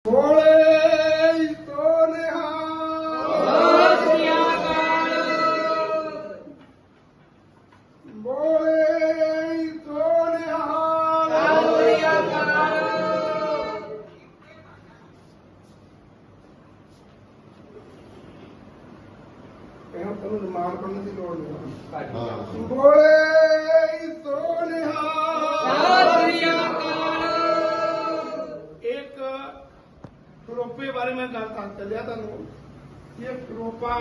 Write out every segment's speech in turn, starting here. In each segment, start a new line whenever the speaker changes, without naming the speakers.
ਬੋਲੇ ਸੋ ਨਿਹਾਲ ਬੋਲੇ ਸੋ ਨਿਹਾਲ ਇਹਨਾਂ ਨੂੰ ਰਿਮਾਂਡ ਕਰਨ ਦੀ ਲੋੜ ਨਹੀਂ ਬੋਲੇ ਸੋ ਨਿਹਾਲ ਇੱਕ ਕਰੋਪੇ ਬਾਰੇ ਮੈਂ ਗੱਲ ਕਰ ਚੱਲਿਆ ਤੁਹਾਨੂੰ ਇਹ ਕਰੋਪਾ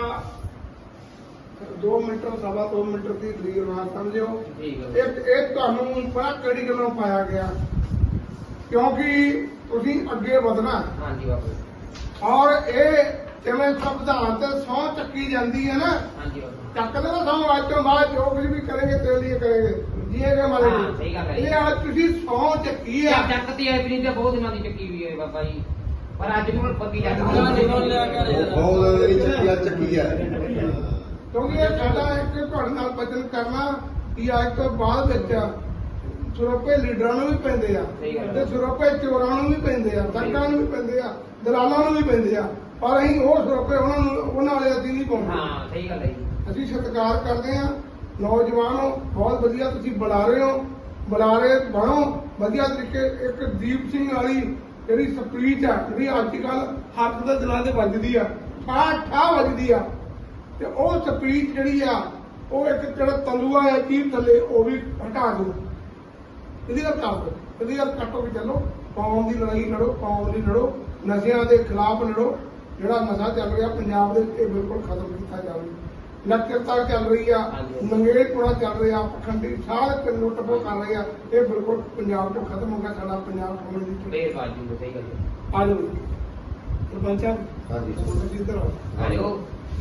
2 ਮੀਟਰ ਸਵਾ 2 ਮੀਟਰ ਦੀ ਦੂਰੀ ਨਾਲ ਸਮਝਿਓ ਇਹ ਤੁਹਾਨੂੰ ਪਤਾ ਕਿਹੜੀ ਗੱਲੋਂ ਪਾਇਆ ਗਿਆ ਕਿਉਂਕਿ ਤੁਸੀਂ ਅੱਗੇ ਵਧਣਾ
ਹਾਂਜੀ ਬਾਬੂ
ਔਰ ਇਹ ਜਿਵੇਂ ਸੰਵਿਧਾਨ ਤੇ ਸਹੁੰ ਚੱਕੀ ਜਾਂਦੀ ਹੈ ਨਾ
ਹਾਂਜੀ ਬਾਬੂ
ਚੱਕਦੇ ਨਾ ਸਹੁੰ ਅੱਜ ਤੋਂ ਬਾਅਦ ਜੋ ਕੁਝ ਵੀ ਕਰੇਗੇ ਤੇਰੇ ਲਈ ਕਰੇਗੇ ਜੀਏਗੇ ਮਾਰੇ
ਹਾਂ, ਸਹੀ ਗੱਲ ਹੈ।
ਇਹ ਅੱਜ ਤੁਸੀਂ ਸਹੁੰ ਚੱਕੀ ਆ
ਚੱਕਤੀ ਹੈ ਵੀ ਤੇ ਬਹੁਤ ਦਿਨਾਂ ਦੀ ਚੱਕੀ ਹੋਈ ਹੈ ਬਾਬਾ ਜੀ ਪਰ ਅੱਜ ਨੂੰ ਪੱਕੀ ਚੱਕ
ਬਹੁਤ ਮੇਰੀ ਚੱਕੀ ਆ
ਕਿਉਂਕਿ ਇਹ ਸਾਡਾ ਇੱਕ ਤੁਹਾਡੇ ਨਾਲ ਵਚਨ ਕਰਨਾ ਕਿ ਅੱਜ ਤੋਂ ਬਾਅਦ ਵਿੱਚ ਸਰੋਪੇ ਲੀਡਰਾਂ ਨੂੰ ਵੀ ਪੈਂਦੇ ਆ ਤੇ ਸਰੋਪੇ ਚੋਰਾਂ ਨੂੰ ਵੀ ਪੈਂਦੇ ਆ ਸੰਗਾਂ ਨੂੰ ਵੀ ਪੈਂਦੇ ਆ ਦਲਾਲਾਂ ਨੂੰ ਵੀ ਪੈਂਦੇ ਆ ਪਰ ਅਸੀਂ ਉਹ ਸਰੋਪੇ ਉਹਨਾਂ ਵਾਲੇ ਅਸੀਂ ਨਹੀਂ ਪਾਉਂਦੇ
ਹਾਂ ਸਹੀ ਗੱਲ ਹੈ ਜੀ
ਅਸੀਂ ਸਤਿਕਾਰ ਕਰਦੇ ਆ ਨੌਜਵਾਨ ਹੋ ਬਹੁਤ ਵਧੀਆ ਤੁਸੀਂ ਬੁਲਾਰੇ ਹੋ ਬੁਲਾਰੇ ਬਣੋ ਵਧੀਆ ਤਰੀਕੇ ਇੱਕ ਦੀਪ ਸਿੰਘ ਵਾਲੀ ਜਿਹੜੀ ਸਪੀਚ ਆ ਜਿਹੜੀ ਅੱਜ ਕੱਲ ਹੱਥ ਦੇ ਦਿਲਾਂ ਤੇ ਵੱਜਦੀ ਆ ਠਾ ਵੱਜਦੀ ਆ ਤੇ ਉਹ ਸਪੀਚ ਜਿਹੜੀ ਆ ਉਹ ਇੱਕ ਜਿਹੜਾ ਤਲੂਆ ਹੈ ਚੀਰ ਥੱਲੇ ਉਹ ਵੀ ਹਟਾ ਦਿਓ ਇਹਦੀ ਗੱਲ ਕਰ ਦਿਓ ਇਹਦੀ ਗੱਲ ਕੱਟੋ ਵੀ ਚੱਲੋ ਕੌਮ ਦੀ ਲੜਾਈ ਲੜੋ ਕੌਮ ਦੀ ਲੜੋ ਨਸ਼ਿਆਂ ਦੇ ਖਿਲਾਫ ਲੜੋ ਜਿਹੜਾ ਨਸ਼ਾ ਚੱਲ ਰਿਹਾ ਪੰਜਾਬ ਦੇ ਇਹ ਬਿਲਕੁਲ ਖਤਮ ਕੀਤਾ ਜਾਵੇ ਨਕਰਤਾ ਚੱਲ ਰਹੀ ਆ ਮੰਗੇੜਪੁਰਾ ਚੱਲ ਰਿਹਾ ਪਖੰਡੀ ਸਾਰੇ ਪਿੰਡ ਲੁੱਟ ਖੋਹ ਕਰ ਰਹੇ ਆ ਇਹ ਬਿਲਕੁਲ ਪੰਜਾਬ ਤੋਂ ਖਤਮ ਹੋ ਗਿਆ ਸਾਡਾ ਪੰਜਾਬ ਕੌਮ ਦੀ
ਬੇਬਾਜੀ ਸਹੀ ਗੱਲ ਹੈ
ਆ ਜਾਓ ਸਰਪੰਚ ਸਾਹਿਬ
ਹਾਂਜੀ
ਤੁਸੀਂ ਇੱਧਰ ਆਓ
ਆਜੋ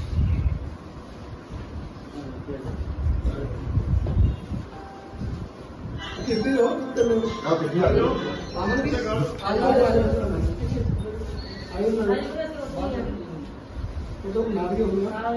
ਕਿੱਥੇ ਹੋ ਕਿੱਥੇ ਨੂੰ
ਆ ਤੁਸੀਂ ਆ ਜਾਓ
ਆਮਨ ਵੀ ਆ ਜਾਓ ਉਹ ਨਾਰੀ ਹੋਊਗਾ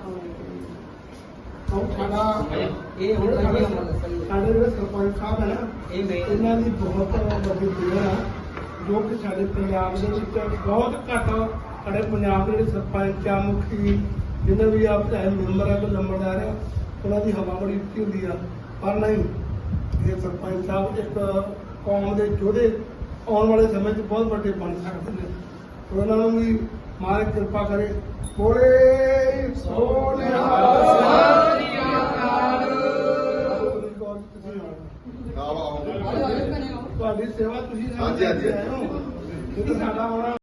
ਉਹ ਸਾਡਾ
ਇਹ ਹੁਣ
ਸਾਡੇ ਜਿਹੜੇ ਸਰਪੰਚ ਸਾਹਿਬ ਹੈ ਨਾ ਇਹਨਾਂ ਦੀ ਬਹੁਤ ਵੱਡੀ ਦੇਣ ਆ ਜੋ ਕਿ ਸਾਡੇ ਪੰਜਾਬ ਦੇ ਵਿੱਚ ਬਹੁਤ ਘੱਟ ਸਾਡੇ ਪੰਜਾਬ ਦੇ ਜਿਹੜੇ ਸਰਪੰਚ ਆ ਮੁਖੀ ਜਿੰਨੇ ਵੀ ਆ ਚਾਹੇ ਮੈਂਬਰ ਆ ਕੋਈ ਨੰਬਰਦਾਰ ਆ ਉਹਨਾਂ ਦੀ ਹਵਾ ਬੜੀ ਉੱਚੀ ਹੁੰਦੀ ਆ ਪਰ ਨਹੀਂ ਇਹ ਸਰਪੰਚ ਸਾਹਿਬ ਇੱਕ ਕੌਮ ਦੇ ਯੋਧੇ ਆਉਣ ਵਾਲੇ ਸਮੇਂ 'ਚ ਬਹੁਤ ਵੱਡੇ ਬਣ ਸਕਦੇ ਨੇ ਉਹਨਾਂ ਨੂੰ ਵੀ ਮਾਲਕ ਕਿਰਪਾ ਕਰੇ ਬੋਲੇ ਸੋ ਨਿਹਾਲ ਤੁਹਾਡੀ ਸੇਵਾ ਤੁਸੀਂ
ਹਾਂਜੀ, ਹਾਂਜੀ।
ਕਿਉਂਕਿ ਸਾਡਾ ਆਉਣਾ